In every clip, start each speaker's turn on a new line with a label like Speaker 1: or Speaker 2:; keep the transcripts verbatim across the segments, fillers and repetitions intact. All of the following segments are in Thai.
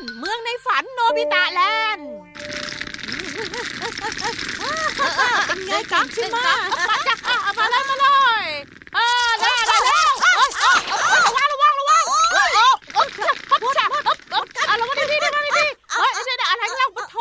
Speaker 1: เมืองในฝันโนบิตะแลนด์เป็นไงกันใช่ไหมมาจ้ะมาเลยมาเลยเออได้ได้แล้วระวังระวังระวังโอ้โอ้โอ้ปั๊บจ้ะปั๊บปั๊บอ่ะระวังดีๆระวังดีๆเฮ้ยเดี๋ยวอะไรเล่าปะโถ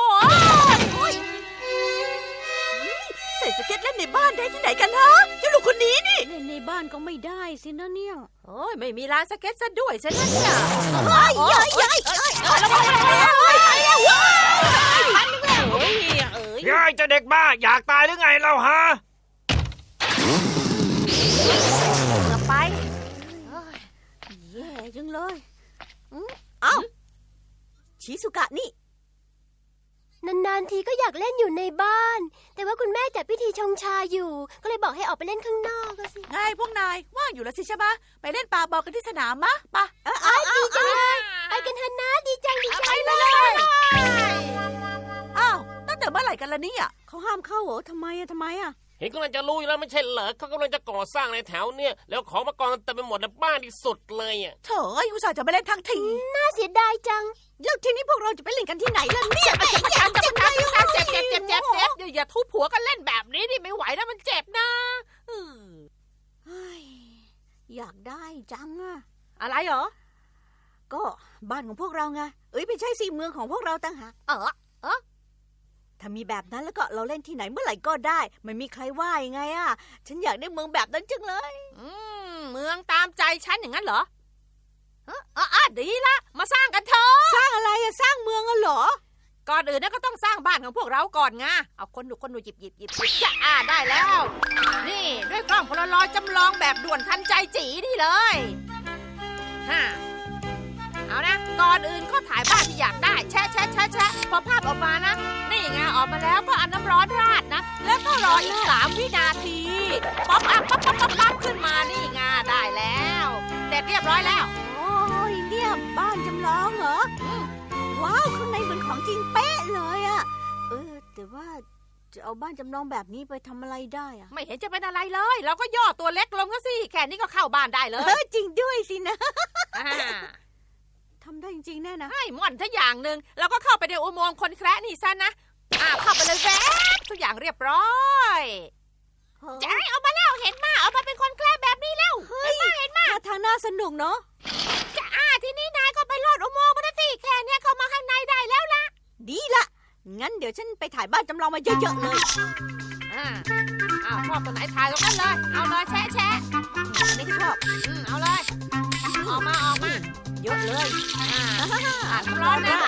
Speaker 2: ใส่สเก็ตเล่นในบ้านได้ที่ไหนกันฮะเจ้าลูกคนนี้นี่
Speaker 3: เล่นในบ้านก็ไม่ได้สินะเนี่ย
Speaker 1: โอ้ยไม่มีร้านสเก็ตซะด้วยใช่ไหมเนี่ย
Speaker 2: เฮ้ยเฮ้ยเฮ้ยเฮ้ยระวังระวังระวังเฮ้ยเฮ้ย
Speaker 1: เอ้ยเอ้ย
Speaker 4: ยายจะเด็กบ้าอยากตายหรือไงเราฮะ
Speaker 1: เกือบไป
Speaker 3: แย่จังเลย
Speaker 2: เอ้าชิซุกะนี่
Speaker 5: นานๆทีก็อยากเล่นอยู่ในบ้านแต่ว่าคุณแม่จัดพิธีชงชาอยู่ก็เลยบอกให้ออกไปเล่นข้างนอกก็สิ
Speaker 2: ไงพวกนายว่างอยู่แล้วสิใช่ไหมไปเล่นปาบอลกันที่สนามมะปะ
Speaker 5: เออดีจังเลยไปกันเถอะนะดีจังดีจัง
Speaker 2: เลยอ้าวตั้งแต่เมื่อไหร่กันล่ะเนี่ย
Speaker 3: เขาห้ามเข้าเหรอทำไมอะทำไมอะ
Speaker 4: เห็นกำลังจะรู้อยู่แล้วไม่ใช่เหรอเขากำลังจะก่อสร้างในแถวเนี่ยแล้วของมากองเต็มไปหมดในบ้านที่สุดเลยอ่ะ
Speaker 2: เถอะอุตส่าห์จะไปเล่นทั้งที
Speaker 5: น่าเสียดายจัง
Speaker 3: แล้วทีนี้พวกเราจะไปเล่นกันที่ไหนล่ะเนี่ย
Speaker 1: เจ็บเจ็บเจ็บเจ็บเจ็บเจ็บเจ็บเจ็บเจ็บอย่าทุบหัวกันเล่นแบบนี้ดิไม่ไหวนะมันเจ็บนะ
Speaker 3: อยากได้จังอะ
Speaker 1: อะไรเหรอ
Speaker 3: ก็บ้านของพวกเราไงเอ้ยไม่ใช่สิเมืองของพวกเราต่างหาก
Speaker 1: เออเออ
Speaker 3: ถ้ามีแบบนั้นแล้วก็เราเล่นที่ไหนเมื่อไหร่ก็ได้ไม่มีใครว่ายังไงอะฉันอยากได้เมืองแบบนั้นจังเลย
Speaker 1: อืมเมืองตามใจฉันอย่างนั้นเหรอเออเออดีละมาสร้างกันเถอะ
Speaker 3: สร้างอะไรอะสร้างเมืองอะเหรอ
Speaker 1: ก่อนอื่นนะก็ต้องสร้างบ้านของพวกเราก่อนไงเอาคนดูคนดูหยิบหยิบหยิบจะอ่าได้แล้วนี่ด้วยกล้องโพลารอยด์จำลองแบบด่วนทันใจจีนี่เลยฮ่าเอานะก่อนอื่นก็ถ่ายภาพที่อยากได้แชะแชะแชะแชะพอภาพออกมานะนี่ไงออกมาแล้วก็เอาน้ำร้อนราดนะแล้วก็รออีกสามวินาทีป๊อปอัพป๊อปป๊อปป๊อปป๊อปขึ้นมานี่ไงได้แล้วเสร็จเรียบร้อยแล้ว
Speaker 3: โอ้ยเนี่ยบ้านจำลองเหรอว้าวข้างในเหมือนของจริงเป๊ะเลยอะเออแต่ว่าจะเอาบ้านจำลองแบบนี้ไปทำอะไรได้อะ
Speaker 1: ไม่เห็นจะเป็นอะไรเลยเราก็ย่อตัวเล็กลงก็สิแค่นี้ก็เข้าบ้านได้เลย
Speaker 3: เออจริงด้วยสินะทำได้จริงๆแน่นะ
Speaker 1: ให้ม่อนถ้าอย่างหนึ่งเราก็เข้าไปในอุโมงค์คนแคร์นี่ซะนะอ่าเข้าไปเลยแว๊บทุกอย่างเรียบร้อยจะให้เอามาแล้วเห็นมาเอามาเป็นคนแคร์แบบนี้แล้วเห็นมาเห็นมา
Speaker 3: ทางน่าสนุกเนาะ
Speaker 1: จะอ่าทีนี้นายก็ไปลอดอุโมงค์มาสิแค่นี้เข้ามาข้างในได้แล้วล่ะ
Speaker 3: ดีละงั้นเดี๋ยวฉันไปถ่ายบ้านจำลองมาเยอะๆเลย
Speaker 1: อ่าอ่าชอบตัวไหนถ่ายตรงนั้นเลยเอาเลยแชะแชะ
Speaker 3: อันนี้ก็ชอบ
Speaker 1: อืมเอาเลยออกมาออกมา
Speaker 3: เยอะเลย
Speaker 1: อ่าอ่าร้อนนะ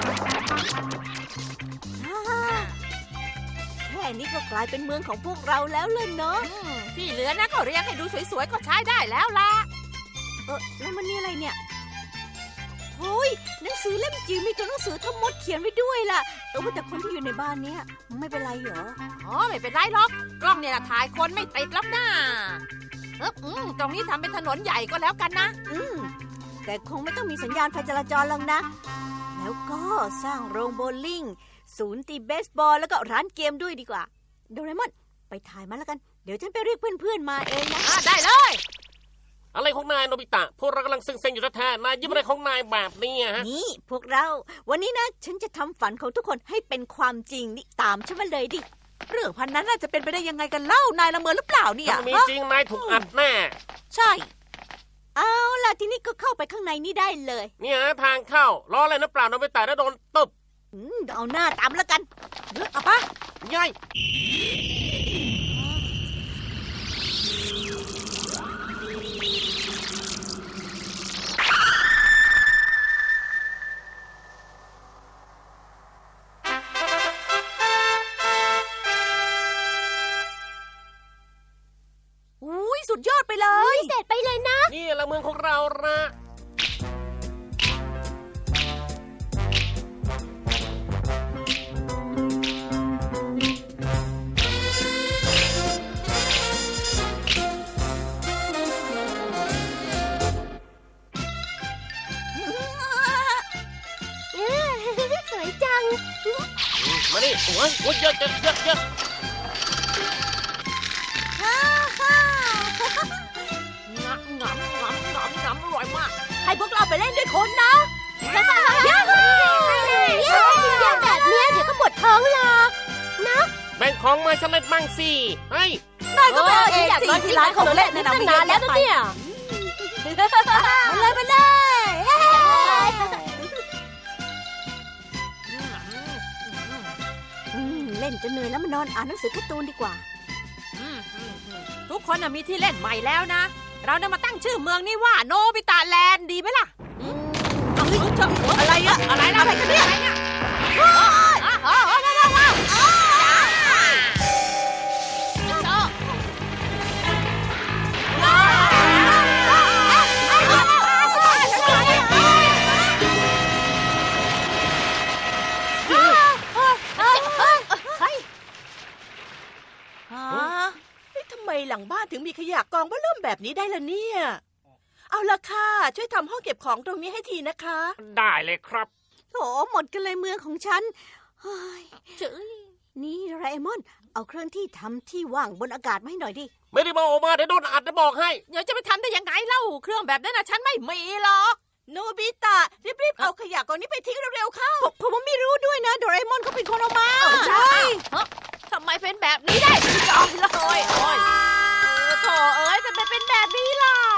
Speaker 3: แค่นี้ก็กลายเป็นเมืองของพวกเราแล้วเลยเนาะ
Speaker 1: ที่เหลือนะก็เรียงให้ดูสวยๆก็ใช้ได้แล้วล่ะ
Speaker 3: เออแล้วมันนี่อะไรเนี่ยโอ้ยหนังสือเล่มจิ๋วมีตัวหนังสือทั้งหมดเขียนไว้ด้วยล่ะเออว่าแต่คนที่อยู่ในบ้านเนี้ยไม่เป็นไรเหรอ
Speaker 1: อ๋อไม่เป็นไรหรอกกล้องเนี่ยถ่ายคนไม่ติดหรอกนะเอออืมตรงนี้ทำเป็นถนนใหญ่ก็แล้วกันนะ
Speaker 3: อืมแต่คงไม่ต้องมีสัญญาณไฟจราจรหรอกนะแล้วก็สร้างโรงโบว์ลิ่งศูนย์ตีเบสบอลแล้วก็ร้านเกมด้วยดีกว่าโดเรมอนไปถ่ายมาแล้วกันเดี๋ยวฉันไปเรียกเพื่อนๆมาเองนะ
Speaker 1: ได้เลย
Speaker 4: อะไรของนายโนบิตะพวกเรากำลังซึ้งๆอยู่แท้ๆนายยิ้มอะไรของนายแบบนี้ฮะ
Speaker 3: นี่พวกเราวันนี้นะฉันจะทำฝันของทุกคนให้เป็นความจริงนี่ตามฉันมาเลยดิ
Speaker 2: เรื่องพันนั้นน่าจะเป็นไปได้ยังไงกันเล่านายละเมอหรือเปล่าเนี่ย
Speaker 4: มีจริงนายถูกอัดแน่
Speaker 2: ใช่
Speaker 3: เอาล่ะทีนี้ก็เข้าไปข้างในนี่ได้เลย
Speaker 4: เนี่ยทางเข้าล้ออะไรนะเปล่าโนบิตะแล้วโดนตบ
Speaker 3: เอาหน้าตามแล้วกัน
Speaker 2: เฮ้ยเอาปะ
Speaker 4: ยัย
Speaker 2: สุดยอดไปเลย
Speaker 5: เสร็จไปเลยนะ
Speaker 4: นี่ละเมืองของเราละ
Speaker 5: สวยจัง
Speaker 4: มาดิโอ้ยโอ้ยเยอะเยอะเยอะเยอะ
Speaker 1: งำงำงำงำงำอร่อยมาก
Speaker 2: ให้พวกเราไปเล่นด้วยคนนะ
Speaker 5: ยาฮู
Speaker 4: ของมาฉันเล่นบ้างสิเฮ้ย
Speaker 3: ได้ก็ไปเอาเองสิที่ร้านของเล่นนั่นนะไม่
Speaker 2: นานแล้วนะเนี่ย
Speaker 3: มาเลยมาเลยอืมเล่นจนเหนื่อยแล้วมานอนอ่านหนังสือการ์ตูนดีกว่า
Speaker 1: อืมอืมอืมทุกคนน่ะมีที่เล่นใหม่แล้วนะ เราเนี่ยมาตั้งชื่อเมืองนี่ว่าโนบิตะแลนด์ดีไหมล่ะอืมเอาเฮ้ยเจ้าอะไรอะอะไรนะอะไรกันเนี่ยอะไรเนี่ยว้าวว้าวว้าวว้าวว้าวจ้า
Speaker 2: ฮะเฮ้ยทำไมหลังบ้านถึงมีขยะกองว่าเริ่มแบบนี้ได้ล่ะเนี่ย เอาละค่ะ ช่วยทำห้องเก็บของตรงนี้ให้ทีนะคะ
Speaker 4: ได้เลยครับ
Speaker 3: โถหมดกันเลยเมืองของฉันเฮ้ย
Speaker 1: เจ๋ย
Speaker 3: นี่โดราเอมอน เอาเครื่องที่ทำที่ว่างบนอากาศมาให้หน่อยดิ
Speaker 4: ไม่ได้มาออกมาเดี๋ยวโดนอัดจะบอกให้
Speaker 1: เดี๋ยวจะไปทำได้ยังไงเล่าเครื่องแบบนั้นนะฉันไม่มีหรอก
Speaker 2: โนบิตะรีบๆเอาขยะกองนี้ไปทิ้งเร็วๆเข้า
Speaker 3: ผมผมไม่รู้ด้วยนะโดราเอมอนเขาเป็นคนเอามา
Speaker 1: ใช่ฮะทำไมเป็นแบบนี้ได้จอยเลยโอ้ยโอ้ยโถเอ้ยทำไมเป็นแบบนี้ล่ะ